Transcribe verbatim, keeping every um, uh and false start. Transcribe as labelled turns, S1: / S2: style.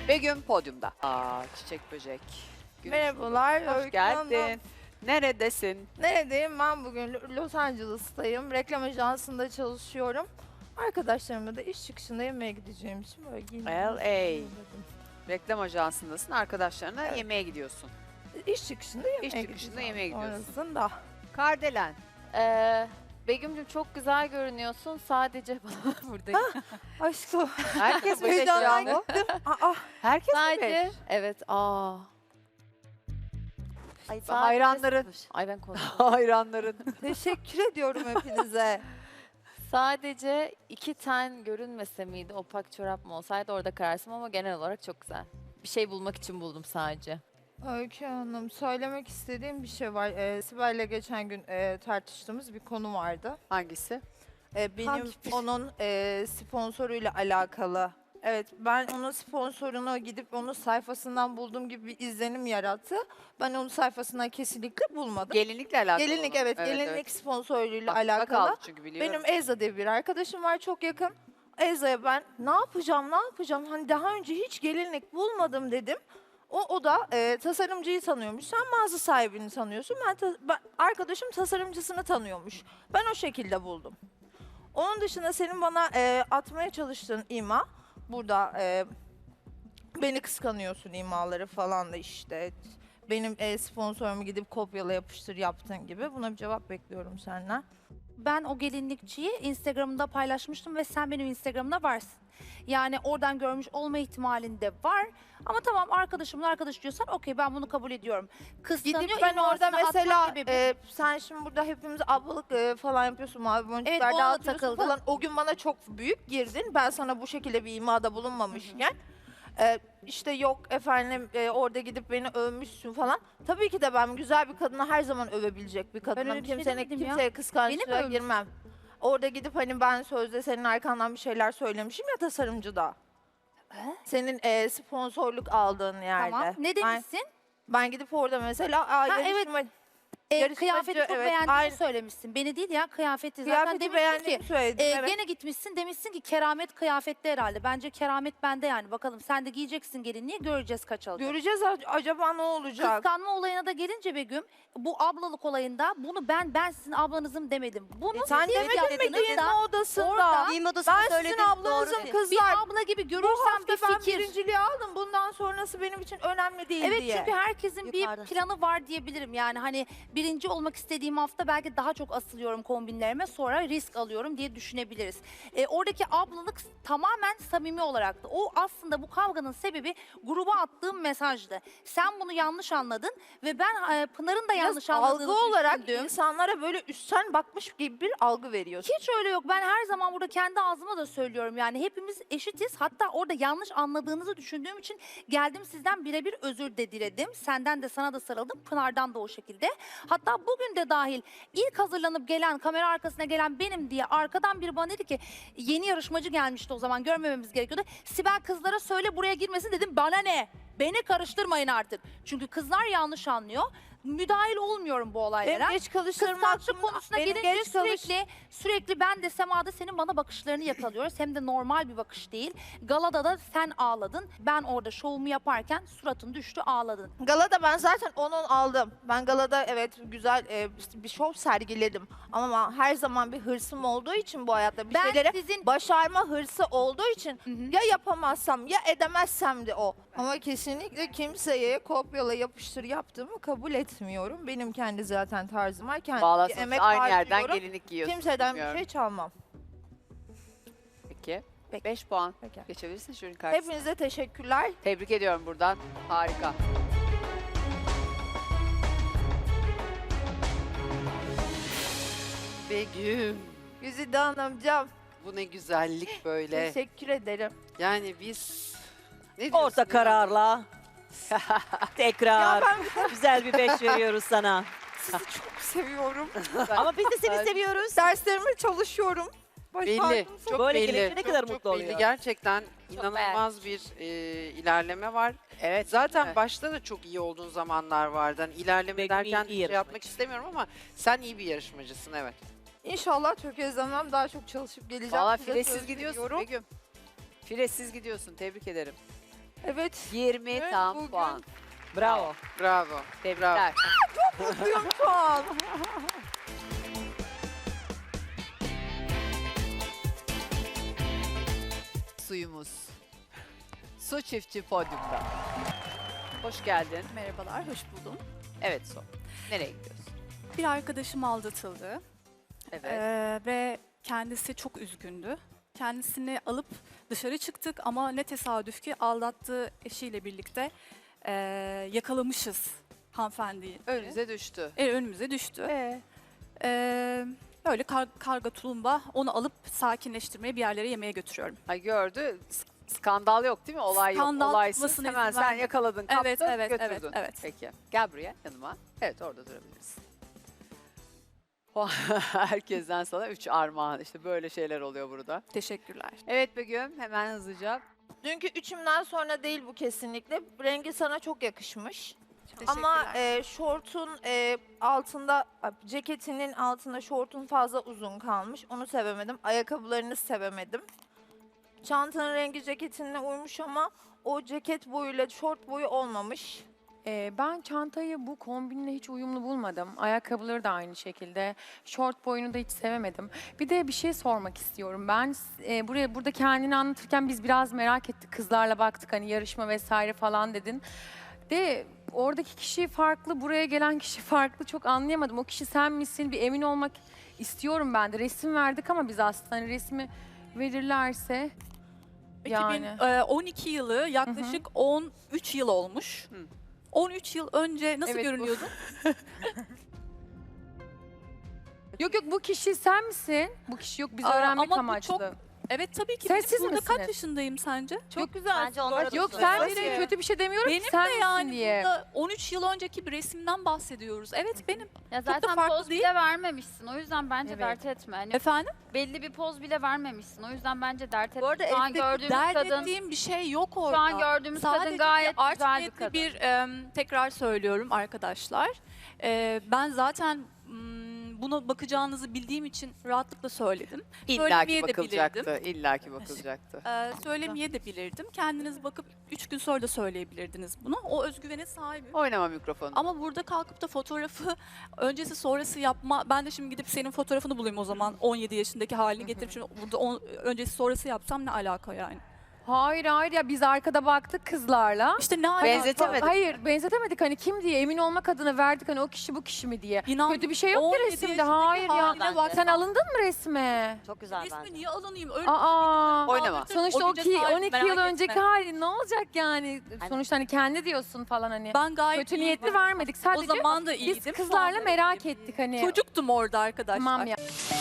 S1: Begüm podyumda. Aa, çiçek böcek. Gün
S2: Merhabalar.
S1: ışığı. Hoş
S2: Öykü Hanım.
S1: geldin. Neredesin?
S2: Neredeyim? Ben bugün Los Angeles'tayım. Reklam ajansında çalışıyorum. Arkadaşlarımla da iş çıkışında yemeğe gideceğim için böyle giyindim.
S1: L A. Reklam ajansındasın. Arkadaşlarına
S2: Evet.
S1: yemeğe gidiyorsun.
S2: İş çıkışında yemeğe
S1: İş çıkışında
S2: gideceğim.
S1: yemeğe gidiyorsun.
S2: Sonrasında.
S1: Kardelen.
S3: Ee, Begüm'cüm çok güzel görünüyorsun. Sadece bana buradayım.
S2: Aşkım.
S1: Herkes mi
S2: Heyecandan
S1: beş ya?
S2: gittim. Aa,
S1: Herkes mi
S3: Sadece
S1: beş?
S3: evet. Aa. Ay, sadece-
S1: Hayranların.
S3: Ay ben konuştum.
S1: Hayranların.
S2: teşekkür ediyorum hepinize.
S3: Sadece iki ten görünmese miydi? Opak çorap mı olsaydı orada kararsın ama genel olarak çok güzel. Bir şey bulmak için buldum sadece.
S2: Öykü Hanım, söylemek istediğim bir şey var. Ee, Sibel'le geçen gün e, tartıştığımız bir konu vardı.
S1: Hangisi?
S2: Ee, benim
S1: Hangi bir-
S2: onun e, sponsoruyla alakalı. Evet, ben onun sponsorunu gidip onun sayfasından bulduğum gibi bir izlenim yarattı. Ben onun sayfasından kesinlikle bulmadım.
S1: Gelinlikle alakalı.
S2: Gelinlik
S1: olan.
S2: evet, gelinlik
S1: evet.
S2: sponsoruyla
S1: Aklımda
S2: alakalı.
S1: kaldı çünkü biliyorum.
S2: Benim Ezra diye bir arkadaşım var çok yakın. Ezra'ya ben ne yapacağım, ne yapacağım? Hani daha önce hiç gelinlik bulmadım dedim. O, o da e, tasarımcıyı tanıyormuş. Sen mağaza sahibini tanıyorsun. Ben, ta- ben arkadaşım tasarımcısını tanıyormuş. Ben o şekilde buldum. Onun dışında senin bana e, atmaya çalıştığın ima burada e, beni kıskanıyorsun imaları falan da işte. Benim e, sponsorumu gidip kopyala yapıştır yaptığın gibi. Buna bir cevap bekliyorum senden.
S4: Ben o gelinlikçiyi Instagram'da paylaşmıştım ve sen benim Instagram'da varsın. Yani oradan görmüş olma ihtimalinde var. Ama tamam arkadaşımın arkadaşı diyorsan okey ben bunu kabul ediyorum. Kıskanıyor,
S2: Gidip ben orada
S4: imasını
S2: mesela
S4: atmak sebebi-
S2: e, sen şimdi burada hepimiz ablalık e, falan yapıyorsun mavi boncuklar
S4: Evet, ona da
S2: dağıtıyorsun
S4: takıldım.
S2: falan. O gün bana çok büyük girdin. Ben sana bu şekilde bir imada bulunmamışken. E, işte yok efendim e, orada gidip beni övmüşsün falan. Tabii ki de ben güzel bir kadını her zaman övebilecek bir kadınım.
S4: öyle bir şey
S2: Kimsenin
S4: demedim ya.
S2: kimseye kıskançlığa
S4: Beni mi övmüşsün?
S2: girmem. Orada gidip hani ben sözde senin arkandan bir şeyler söylemişim ya tasarımcıda.
S4: He?
S2: Senin e, sponsorluk aldığın yerde.
S4: Tamam. Ne
S2: Ben,
S4: demişsin?
S2: ben gidip orada mesela aa,
S4: Ha, evet.
S2: yarışma-
S4: Ee,
S2: yarışmacı,
S4: kıyafeti çok
S2: evet,
S4: beğendiğini
S2: aynı.
S4: söylemişsin. Beni değil ya kıyafeti. Zaten
S2: Kıyafeti
S4: demişsin
S2: beğendiğimi
S4: ki
S2: söyledim.
S4: e,
S2: evet.
S4: gene gitmişsin demişsin ki keramet kıyafette herhalde. Bence keramet bende yani. Bakalım sen de giyeceksin gelinliği göreceğiz kaç alacak.
S2: Göreceğiz a- acaba ne olacak?
S4: Kıskanma olayına da gelince Begüm, bu ablalık olayında bunu ben ben sizin ablanızım demedim. Bunu
S2: E, sen
S4: siz
S2: demedin mi
S4: yaptınız
S2: giyinme
S4: da
S2: odasında?
S4: orada
S5: Giyinme odasında
S2: Ben sizin
S5: söyledin, doğru
S2: ablanızım
S5: değil.
S2: kızlar.
S4: bir abla gibi
S2: Bu
S4: görürsem
S2: hafta
S4: bir
S2: ben
S4: fikir.
S2: birinciliği aldım. Bundan sonrası benim için önemli değil
S4: Evet
S2: diye.
S4: çünkü herkesin
S5: Yukarıda.
S4: bir planı var diyebilirim. Yani hani birinci olmak istediğim hafta belki daha çok asılıyorum kombinlerime sonra risk alıyorum diye düşünebiliriz. E, oradaki ablalık tamamen samimi olaraktı. O aslında bu kavganın sebebi gruba attığım mesajdı. Sen bunu yanlış anladın ve ben e, Pınar'ın da
S2: Biraz
S4: yanlış anladığını
S2: algı olarak
S4: düşündüm.
S2: insanlara böyle üstten bakmış gibi bir algı veriyorsun.
S4: Hiç öyle yok. Ben her zaman burada kendi ağzıma da söylüyorum. Yani hepimiz eşitiz. Hatta orada yanlış anladığınızı düşündüğüm için geldim sizden birebir özür de diledim. Senden de sana da sarıldım. Pınar'dan da o şekilde. Hatta bugün de dahil ilk hazırlanıp gelen, kamera arkasına gelen benim diye arkadan biri bana dedi ki yeni yarışmacı gelmişti o zaman görmememiz gerekiyordu. Sibel kızlara söyle buraya girmesin dedim. Bana ne? Beni karıştırmayın artık. Çünkü kızlar yanlış anlıyor. Müdahil olmuyorum bu olaylara.
S2: Benim geç kalışlarım
S4: Kıskançlık
S2: hakkında-
S4: konusuna
S2: benim
S4: gelince
S2: geç kalış-
S4: sürekli sürekli ben de Sema'da senin bana bakışlarını yakalıyoruz. Hem de normal bir bakış değil. Galada da sen ağladın. Ben orada şovumu yaparken suratın düştü ağladın.
S2: Galada ben zaten onun aldım. Ben galada evet güzel e, bir şov sergiledim. Ama her zaman bir hırsım olduğu için bu hayatta bir
S4: Ben
S2: şeylere
S4: sizin
S2: başarma hırsı olduğu için
S4: Hı hı.
S2: ya yapamazsam ya edemezsem de o. Ama kesinlikle kimseye kopyala yapıştır yaptığımı kabul etmiyorum. Benim kendi zaten tarzım var. Kendi
S1: Bağlasanız
S2: emek
S1: aynı yerden
S2: harcıyorum.
S1: gelinlik giyiyorsun.
S2: Kimseden
S1: Bilmiyorum.
S2: bir şey çalmam.
S1: Peki.
S2: Peki.
S1: beş puan.
S2: Peki.
S1: Geçebilirsin jürinin karşısına.
S2: Hepinize teşekkürler.
S1: Tebrik ediyorum buradan. Harika.
S6: Begüm,
S2: Güzide Hanımcığım
S6: bu ne güzellik böyle.
S2: teşekkür ederim.
S6: Yani biz ne diyorsun
S5: Orta
S6: ya?
S5: kararla. Tekrar.
S2: Ya ben
S5: Güzel bir beş veriyoruz sana.
S2: sizi çok seviyorum.
S5: Ama biz de seni
S6: Ben-
S5: seviyoruz.
S2: Derslerime çalışıyorum.
S6: Belli,
S2: Başardım.
S6: çok
S5: Böyle
S6: belli.
S5: gelince ne
S6: çok,
S5: kadar
S6: çok
S5: mutlu
S6: belli.
S5: oluyor.
S6: Gerçekten inanılmaz bir e, ilerleme var.
S1: Evet.
S6: Zaten
S1: evet.
S6: başta da çok iyi olduğun zamanlar vardı. Hani ilerleme
S5: Begüm
S6: derken
S5: iyi
S6: şey
S5: yarışmacı.
S6: yapmak istemiyorum ama sen iyi bir yarışmacısın, evet.
S2: İnşallah tökezlemem daha çok çalışıp geleceğim.
S1: Valla
S2: Size
S1: filesiz
S2: söz
S1: gidiyorsun
S2: veriyorum.
S1: Begüm. Filesiz gidiyorsun. Tebrik ederim.
S2: Evet.
S1: yirmi
S2: Evet,
S1: tam
S2: bugün-
S1: puan.
S5: Bravo.
S6: Bravo. Bravo.
S1: Tebrikler.
S2: Mutluyum şu an.
S1: Suyumuz. Su çiftçi podyumda. Hoş geldin.
S7: Merhabalar, hoş buldum.
S1: Evet Su. Nereye gidiyorsun?
S7: Bir arkadaşım aldatıldı
S1: Evet.
S7: Ee, ve kendisi çok üzgündü. Kendisini alıp dışarı çıktık ama ne tesadüf ki aldattığı eşiyle birlikte ee, yakalamışız hanımefendiyi.
S1: Önünüze düştü.
S7: E, önümüze düştü.
S1: Ee?
S7: Ee, böyle kar- karga tulumba onu alıp sakinleştirmeye bir yerlere yemeğe götürüyorum.
S1: Ay gördü. S- Skandal yok değil mi? Olay
S7: Skandal
S1: yok. Olaysız.
S7: çıkmasına
S1: Hemen
S7: izin
S1: sen
S7: vermedim.
S1: yakaladın, kaptın,
S7: Evet, evet, evet,
S1: götürdün.
S7: evet.
S1: Peki. Gel buraya yanıma. Evet orada durabiliriz. Herkesten sana üç armağan. İşte böyle şeyler oluyor burada.
S7: Teşekkürler.
S1: Evet Begüm hemen hızlıca.
S2: Dünkü üçümden sonra değil bu kesinlikle. Rengi sana çok yakışmış.
S7: Teşekkürler.
S2: Ama e, şortun e, altında, ceketinin altında şortun fazla uzun kalmış. Onu sevemedim. Ayakkabılarını sevemedim. Çantanın rengi ceketinle uymuş ama o ceket boyuyla şort boyu olmamış.
S8: Ee, ben çantayı bu kombinle hiç uyumlu bulmadım. Ayakkabıları da aynı şekilde. Şort boyunu da hiç sevemedim. Bir de bir şey sormak istiyorum. Ben e, buraya burada kendini anlatırken biz biraz merak ettik. Kızlarla baktık hani yarışma vesaire falan dedin. De oradaki kişi farklı, buraya gelen kişi farklı. Çok anlayamadım. O kişi sen misin? Bir emin olmak istiyorum ben de. Resim verdik ama biz aslında hani resmi verirlerse yani.
S7: iki bin on iki yılı yaklaşık on üç yıl olmuş.
S1: Hı.
S7: on üç yıl önce nasıl
S8: Evet, bu-
S7: görünüyordun?
S8: Yok yok bu kişi sen misin? Bu kişi yok biz
S7: Aa,
S8: öğrenmek
S7: ama bu
S8: amaçlı.
S7: çok- Evet tabii ki.
S8: Sen
S7: Benim
S8: siz
S7: burada
S8: misiniz?
S7: kaç yaşındayım sence?
S2: Çok güzel.
S3: Bence onlar
S8: Yok
S3: da
S8: sen
S3: söylüyor.
S8: misin? Kötü bir şey demiyorum
S7: Benim
S8: ki sen
S7: de
S8: misin
S7: yani
S8: diye.
S7: burada on üç yıl önceki bir resimden bahsediyoruz. Evet benim.
S9: Ya
S7: da
S9: zaten
S7: farklı
S9: poz
S7: değil.
S9: bile vermemişsin. O yüzden bence
S8: Evet.
S9: dert etme. Hani
S7: Efendim?
S9: belli bir poz bile vermemişsin. O yüzden bence dert etme.
S4: Bu arada
S9: Şu an
S4: elbette
S9: gördüğümüz
S7: Dert
S9: kadın,
S7: ettiğim bir şey yok orada.
S9: şu an gördüğümüz
S7: Sadece
S9: kadın gayet
S7: bir art
S9: güzel bir
S7: niyetli
S9: kadın.
S7: bir em, tekrar söylüyorum arkadaşlar. E, ben zaten mm, buna bakacağınızı bildiğim için rahatlıkla söyledim.
S1: İlla
S7: Söylemeye
S1: ki
S7: de
S1: bakılacaktı. İlla ki bakılacaktı.
S7: Ee, söylemeye de bilirdim. Kendiniz bakıp üç gün sonra da söyleyebilirdiniz bunu. O özgüvene sahibim.
S1: Oynama mikrofonu.
S7: Ama burada kalkıp da fotoğrafı öncesi sonrası yapma. Ben de şimdi gidip senin fotoğrafını bulayım o zaman. on yedi yaşındaki halini getirip şimdi burada on, öncesi sonrası yapsam ne alaka yani?
S8: Hayır hayır ya biz arkada baktık kızlarla.
S7: İşte ne alaka?
S1: Benzetemedim.
S8: Hayır benzetemedik hani kim diye emin olmak adına verdik hani o kişi bu kişi mi diye.
S7: İnan,
S8: Kötü bir şey yok
S7: on
S8: ki
S7: yedi
S8: resimde
S7: yaşındaki
S8: hayır ya.
S7: haline bak.
S8: Sen alındın mı resme?
S5: Çok güzel
S7: Resmi
S5: bence.
S7: niye alınayım? Öyle
S8: Aa.
S1: Oynama.
S8: Sonuçta o
S7: güce
S8: ki
S7: sahip,
S8: on iki
S7: merak
S8: yıl
S7: etme.
S8: önceki hali ne olacak yani? Sonuçta hani kendi diyorsun falan hani.
S7: Ben gayet
S8: Kötü
S7: iyiydim.
S8: niyetli vermedik
S7: O
S8: sadece
S7: zaman da iyiydim.
S8: biz
S7: şu
S8: kızlarla
S7: anda
S8: merak
S7: iyiyim.
S8: ettik hani.
S7: Çocuktum orada arkadaşlar.
S8: Tamam ya.